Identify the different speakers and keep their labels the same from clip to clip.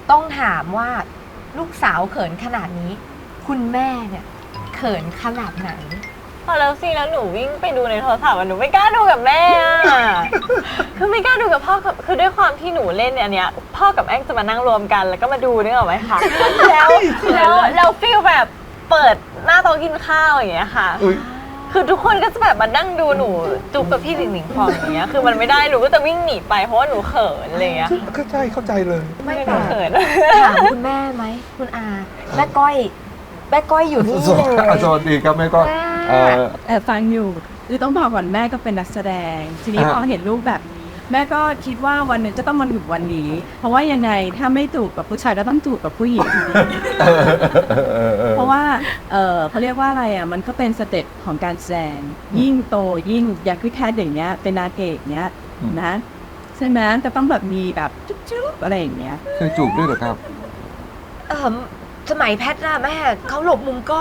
Speaker 1: ต้องถามว่าลูกสาวเขินขนาดนี้ คุณแม่เนี่ยเขินขนาดไหน
Speaker 2: พอแล้วสิแล้วหนูวิ่งไปดูในโทรศัพท์หนูไม่กล้าดูกับแม่คือไม่กล้าดูกับพ่อคือด้วยความที่หนูเล่นอันเนี้ยพ่อกับแอ้งจะมานั่งรวมกันแล้วก็มาดูนึกออกไหมคะแล้วฟีลแบบเปิดหน้าโต๊ะกินข้าวอย่างเงี้ยค่ะคือทุกคนก็จะแบบมานั่งดูหนูจูบกับพี่หนิงพองอย่างเงี้ยคือมันไม่ได้หนูก็จะวิ่งหนีไปเพราะว่าหนูเขินอะไรเงี้ย
Speaker 3: เข้าใจเลย
Speaker 1: ไม่
Speaker 2: หนูเขิน
Speaker 1: ถามคุณแม่ไหมคุณอาแม่ก้อยอยู่นี่เลย
Speaker 3: สวัสดีครับแม่ก้อย
Speaker 4: ฟังอยู่คือต้องบอกก่อนแม่ก็เป็นนักแสดงทีนี้พอเห็นลูกแบบแม่ก็คิดว่าวันหนึ่งจะต้องมาถึงวันนี้เพราะว่ายังไงถ้าไม่จูบกับผู้ชายก็ต้องจูบกับผู้หญิงเพราะว่าเขาเรียกว่าอะไรอ่ะมันก็เป็นสเต็ปของการแสดงยิ่งโตยิ่งอย่างพี่แคทอย่างเงี้ยเป็นนางเอกเนี้ยนะใช่ไหมจะต้องแบบมีแบบจุ๊บๆอะไรอย่างเงี้ย
Speaker 3: เคยจูบด้วยเหรอครับ
Speaker 1: สมัยแพทย์นะแม่เขาหลบมุมกล้อง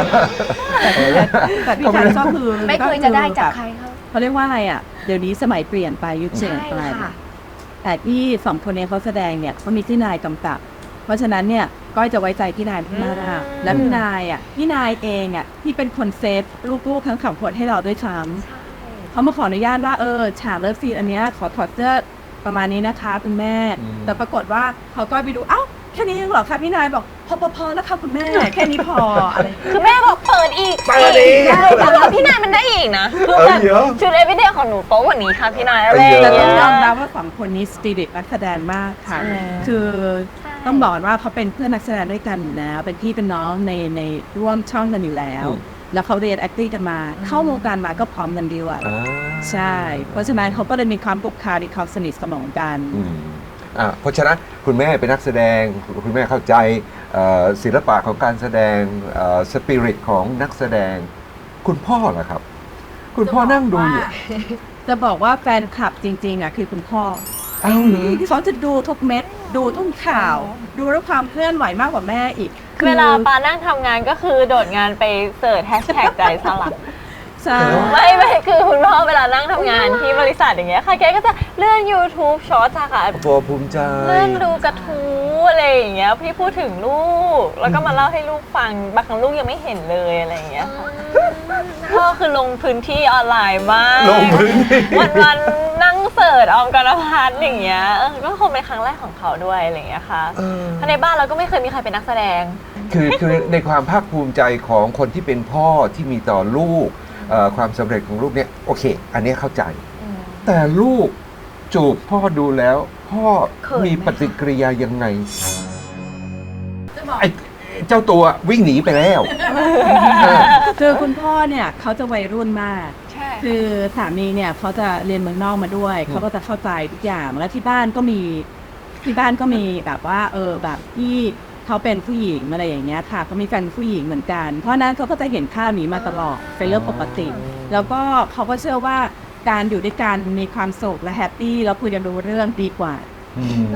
Speaker 4: แต่พี่แคทก็คือ
Speaker 1: ไม่เคยจะได้จากใคร
Speaker 4: เขาเรียกว่าอะไรอ่ะเดี๋ยวนี้สมัยเปลี่ยนไปยุคเปลี่ยนไปแต่ที่สองคนนี้เขาแสดงเนี่ยเขามีพี่นายกำกับเพราะฉะนั้นเนี่ยก้อยจะไว้ใจพี่นายมากและพี่นายเองอ่ะที่เป็นคนเซฟลูกๆทั้งสองคนให้เราด้วยซ้ำเขามาขออนุญาตว่าฉากเลิฟซีนอันเนี้ยขอถอดเสื้อประมาณนี้นะคะคุณแม่แต่ปรากฏว่าเขาก้อยไปดูเอ้าแค่นี้เหรอคะพี่นายบอกพอแล้วค่ะคุณแม่แค่นี้พออะไร
Speaker 2: คือแม่บอกเปิดอีกแล้วพี่นายมันได้อีกนะคือแบบชุดเอวิเดียของหนูโป๊กว่านี้ค่ะพี่นายอะไร
Speaker 4: แต่ต้องยอมรับว่าสองคนนี้สปิริตนักแสดงมากค่ะคือต้องบอกว่าเขาเป็นเพื่อนนักแสดงด้วยกันอยู่แล้วเป็นพี่เป็นน้องในร่วมช่องกันอยู่แล้วแล้วเขาเรียน acting กันมาเข้าวงการมาก็พร้อมกันดีว่ะใช่เพราะฉะนั้นเขาก็เลยมีความปลุกคาที่เขาสนิทสนมกัน
Speaker 3: เพราะฉะนั้นคุณแม่เป็นนักแสดงคุณแม่เข้าใจศิลปะของการแสดงสปิริตของนักแสดงคุณพ่อล่ะครับคุณพ่อนั่งดูอยู่
Speaker 4: จะบอกว่าแฟนคลับจริงๆอ่ะคือคุณพ่อเขาจะดูทุกเม็ดดูทุกข่าวดูด้วยความเคลื่อนไหวมากกว่าแม่อีก
Speaker 2: เวลาปานั่งทำงานก็คือโดดงานไปเสิร์ชแฮชแท็กใจสลับไม่คือคุณพ่อเวลานั่งทำงานที่บริษัทอย่างเงี้ยค่ะแกก็จะเลื่อน YouTube ช็อตค่ะ
Speaker 3: ภูมิใจ
Speaker 2: เลื่อนดูกระทู้อะไรอย่างเงี้ยพี่พูดถึงลูกแล้วก็มาเล่าให้ลูกฟังบางครั้งลูกยังไม่เห็นเลยอะไรอย่างเงี้ยค่ะพ่อคือลงพื้นที่ออนไลน์มากวันนั่งเสิร์ชออมกรพัฒน์อย่างเงี้ยก็คงเป็นครั้งแรกของเขาด้วยอะไรอย่างเงี้ยค่ะเพราะในบ้านเราก็ไม่เคยมีใครเป็นนักแสดง
Speaker 3: คือในความภาคภูมิใจของคนที่เป็นพ่อที่มีต่อลูกความสำเร็จของลูกเนี่ยโอเคอันนี้เข้าใจแต่ลูกจูบพ่อดูแล้วพ่อมีปฏิกิริยายังไงไอ้เจ้าตัววิ่งหนีไปแล้ว
Speaker 4: คือคุณพ่อเนี่ยเขาจะวัยรุ่นมากคือสามีเนี่ยเขาจะเรียนเมืองนอกมาด้วยเขาก็จะเข้าใจทุกอย่างแล้วที่บ้านก็มีแบบว่าแบบที่เขาเป็นผู้หญิงอะไรอย่างเงี้ยค่ะเขามีแฟนผู้หญิงเหมือนกันเพราะนั้นเขาก็จะเห็นค่านี้มาตลอดเป็นเรื่องปกติแล้วก็เขาก็เชื่อว่าการอยู่ด้วยกันมีความสุขและแฮปปี้แล้วคุยกันรู้เรื่องดีกว่า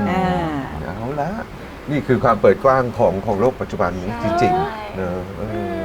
Speaker 3: เอาละนี่คือความเปิดกว้างของโลกปัจจุบันนี้จริงๆเนอะ